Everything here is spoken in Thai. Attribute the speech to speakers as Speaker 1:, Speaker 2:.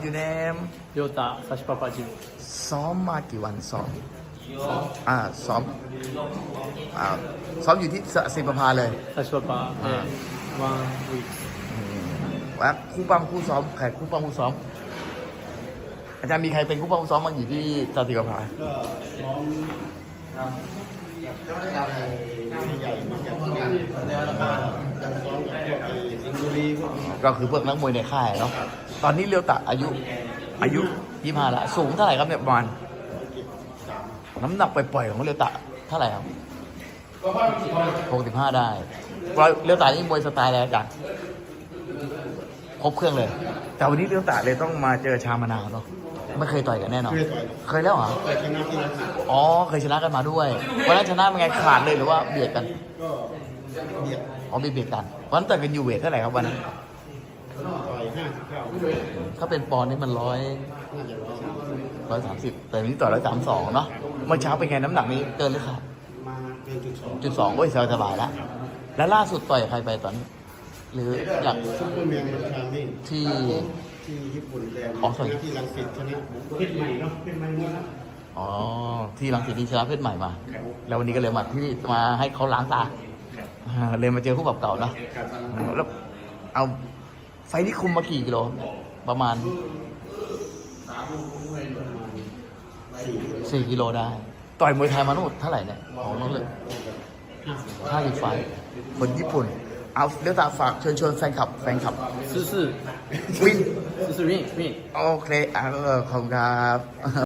Speaker 1: อยู่ใน
Speaker 2: 亮太、サシパパジム。
Speaker 1: ซ้อมมากี่วันซ้อมซ้อมอ่าซ้อมอยู่ที่สิงประภาเลย
Speaker 2: サシパパで、ワンウィーク。
Speaker 1: แล้วคู่ปั้มคู่ซ้อมใครคู่ปั้มคู่ซ้อม อาจารย์มีใครเป็นคู่ปั้มคู่ซ้อมบ้างอยู่ที่สิงประภา
Speaker 3: ก็ซ้อมกับใหญ่มาจากที่นี่แล้วก็ยังซ้อมกับพวกสิงห์บุรีพวกนี้
Speaker 1: ก็คือพวกนักมวยในค่ายเนาะตอนนี้เรียวตะอายุ25ละสูงเท่าไหร่ครับเนี่ยประมาณ
Speaker 3: 3
Speaker 1: น้ำหนักปล่อยๆของเรียวตะเท่าไหร่ครับ65ได้เรียวตะนี่มวยสไตล์อะไรอาจารย์ครบเครื่องเลย แต่วันนี้เรียวตะเลยต้องมาเจอชามะนาวเนาะไม่เคยต่อยกันแน่นอน
Speaker 3: เคยต่อย
Speaker 1: เคยแล้วเหรอ
Speaker 3: แต่ชนะที่รังสิต
Speaker 1: อ๋อเคยชนะกันมาด้วยวันนั้นชนะเป็นไงขาดเลยหรือว่าเบียดกัน
Speaker 3: ก็เบียด
Speaker 1: อ๋อเบียดกันวันนั้นต่อยกันอยู่เวทเท่าไหร่ครับวันนั้น
Speaker 3: ต่อย59
Speaker 1: ถ้าเป็นปอนด์นี่มัน
Speaker 3: น่าจะ
Speaker 1: 130แต่วันนี้ต่อย132เนาะเมื่อเช้าเป็นไงน้ำหนักนี้เกินหรือขาด
Speaker 3: มาเกินจุด
Speaker 1: 2โอ้ยสบายๆแล้วแล้วล่าสุดต่อยใครไปตอนนี้หรืออยาก
Speaker 3: ซุปเปอร์แมนมันชามิ่ง
Speaker 1: ที่
Speaker 3: ที่ญี่ปุ่นแดง
Speaker 1: อ๋อ
Speaker 3: ชนะที่รังสิตชนะเพชรใหม่เนาะเพชรใหม่หมดแล้ว
Speaker 1: อ๋อที่รังสิตที่ชนะเพชรใหม่มา แล้ววันนี้ก็เลยมาที่นี่มาให้เขาล้างตาเลยมาเจอคู่ปรับเก่าเนาะแล้วเอาไฟที่คุมมากี่กิโลประมาณ4 กิโลได้ ต่อยมวยไทยมาทั้งหมดเท่าไหร่เนี่ยของน้องเลย50 ไฟล์คนญี่ปุ่น เอาเดี๋ยวตาฝากเชิญชวนแฟนคลับ
Speaker 2: 44、
Speaker 1: วิน
Speaker 2: 44ウィン、ウィン。
Speaker 1: โอเคขอบคุณครับ